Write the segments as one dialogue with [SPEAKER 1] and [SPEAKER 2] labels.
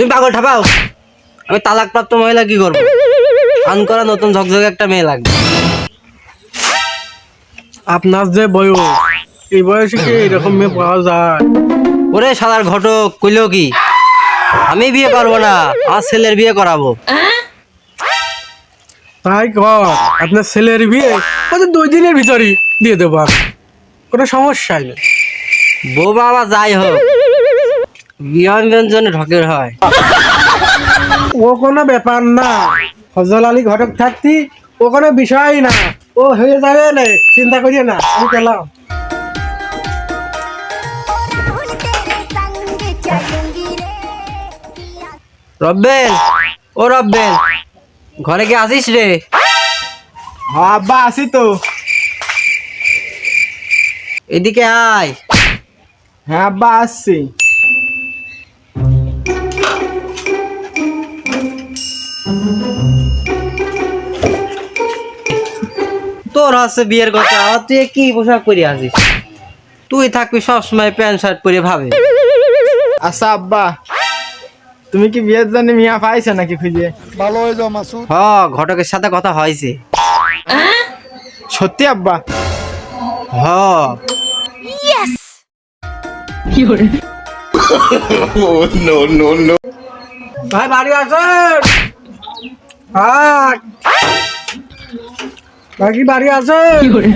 [SPEAKER 1] তুমি পাগল ঠাপাও। আমি তালাকপ্রাপ্ত মহিলা কি করবো? আন করা নতুন ঝকঝকে একটা মেয়ে লাগবে।
[SPEAKER 2] আপনার যে বয়স, এই বয়সে কি এরকম মেয়ে পাওয়া যায়?
[SPEAKER 1] ওরে শালার ঘটক, কইলেও কি আমি বিয়ে করবো না, আমার ছেলের বিয়ে করাবো।
[SPEAKER 2] তাই কর, আপনার ছেলের বিয়ে ওদের 2 দিনের ভিতরই দিয়ে দেবো আমি, কোনো সমস্যাই নেই।
[SPEAKER 1] বউ বাবা যাই হোক, বিয়ে জন্য ঢকের হয়।
[SPEAKER 2] ও কোনো ব্যাপার না, ফজল আলী ঘটক থাকতি ও কোনো বিষয়ই না, ও হয়ে যাবে না, চিন্তা করিয়ে না, আমি গেলাম।
[SPEAKER 1] রব্বেল, ও রব্বেল, ঘরে কি আসিস রে?
[SPEAKER 3] হ্যাঁ আব্বা আসি তো।
[SPEAKER 1] এদিকে আয়।
[SPEAKER 3] হ্যাঁ আব্বা আসছি।
[SPEAKER 1] তোর হচ্ছে বিয়ের কথা, আর তুই কি পোশাক পরে আসিস? তুই থাকবি সবসময় প্যান্ট শার্ট পরে ভাবে।
[SPEAKER 3] আচ্ছা আব্বা, তুমি কি বিয়ের জন্য মিয়া পাইছো নাকি খুঁজে?
[SPEAKER 1] হ, ঘটকের সাথে কথা হয়েছে।
[SPEAKER 3] সত্যি আব্বা?
[SPEAKER 1] হ।
[SPEAKER 2] ভাই বাড়ি আছেন? ভাই কি বাড়ি আছেন?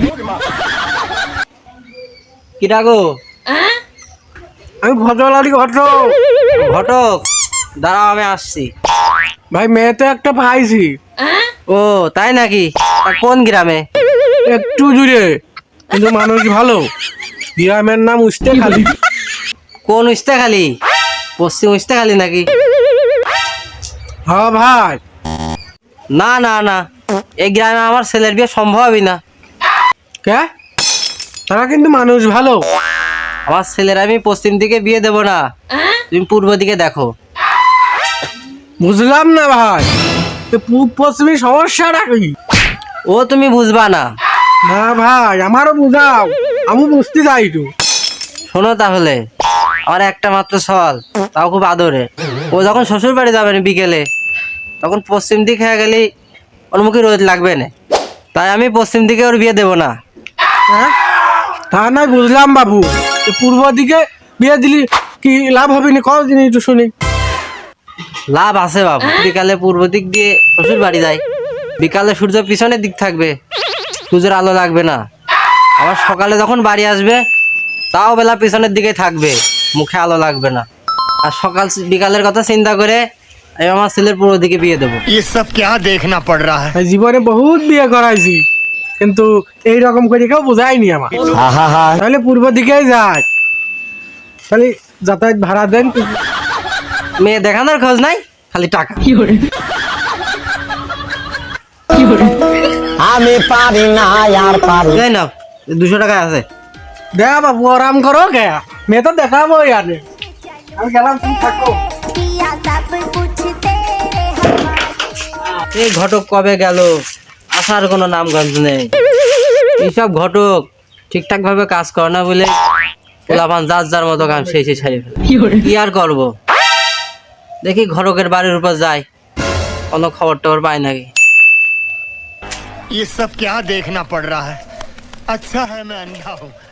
[SPEAKER 1] কি ডাকো?
[SPEAKER 2] আমি ফজল আলী ঘটক।
[SPEAKER 1] ঘটক, দাঁড়াও আমি আসছি।
[SPEAKER 2] ভাই মেয়ে তো একটা পাইছি,
[SPEAKER 1] ও তাই নাকি? তা কোন গ্রামে?
[SPEAKER 2] একটু দূরে, কিন্তু মানুষ ভালো। গ্রামের নাম উস্তেখালী।
[SPEAKER 1] কোন উস্তাখালী? পশ্চিম উস্তাখালী নাকি?
[SPEAKER 2] হ্যাঁ ভাই।
[SPEAKER 1] না না না, এই গ্রামে আমার ছেলের বিয়ে সম্ভবই না।
[SPEAKER 2] কে? তারা কিন্তু মানুষ ভালো।
[SPEAKER 1] আমার ছেলের আমি পশ্চিম দিকে বিয়ে দেব না, তুমি পূর্ব দিকে দেখো।
[SPEAKER 2] বুঝলাম না ভাই, পূব পশ্চিমী সমস্যাটা কি?
[SPEAKER 1] ও তুমি বুঝবা না।
[SPEAKER 2] না ভাই, আমারও বুঝাও, আমি বুঝতে চাই তো।
[SPEAKER 1] শোনো তাহলে, আমার একটা মাত্র সওয়াল, তাও খুব আদরে। ও যখন শ্বশুর বাড়ি যাবে না বিকেলে, তখন পশ্চিম দিক হয়ে গেলে ওর মুখে রোদ লাগবে না, তাই আমি পশ্চিম দিকে ওর বিয়ে দেব না।
[SPEAKER 2] হ্যাঁ, তা নাই বুঝলাম বাবু, পূর্ব দিকে বিয়ে দিলি কি লাভ হবে না? কত দিন একটু শুনি।
[SPEAKER 1] লাভ আছে বাবু, বিকালে পূর্ব দিক দিয়ে শ্বশুর বাড়ি যায়, বিকালে সূর্য পিছনের দিক থাকবে, সূর্যের আলো লাগবে না। আবার সকালে যখন বাড়ি আসবে, তাও বেলা পিছনের দিকে থাকবে, মুখে আলো লাগবে না। আর সকাল বিকালের কথা চিন্তা করে আমি আমার ছেলের পূর্ব দিকে বিয়ে দেবো।
[SPEAKER 4] ये सब क्या देखना पड़ रहा है?
[SPEAKER 2] জীবনে বহুত বিয়ে করাইছি, কিন্তু এই রকম করে কেউ বোঝায়নি আমার। তাহলে পূর্ব দিকেই যায়, তাহলে যাতায়াত ভাড়া দেন।
[SPEAKER 1] মেয়ে দেখানোর খোঁজ নাই, খালি টাকা।
[SPEAKER 5] আমি পারি না আর পারি।
[SPEAKER 1] এই নাও, 200 টাকা আছে।
[SPEAKER 2] দে বাবু, আরাম করো কে, মেয়ে তো দেখাবো ইয়ারে। আমি গেলাম, তুমি থাকো।
[SPEAKER 1] এই ঘটক কবে গেল, আসার কোনো নামগন্ধ নেই। এইসব ঘটক ঠিকঠাক ভাবে কাজ করে না বলে পোলাপান যার যার মতো কাম সেই ছাড়িয়ে ফেলে। কি আর করবো, দেখি ঘটকের বাড়ির উপর যাই, কোনো খবর টবর পাই নাকি।
[SPEAKER 4] ये सब क्या देखना पड़ रहा है? अच्छा है मैं अंधा हूँ।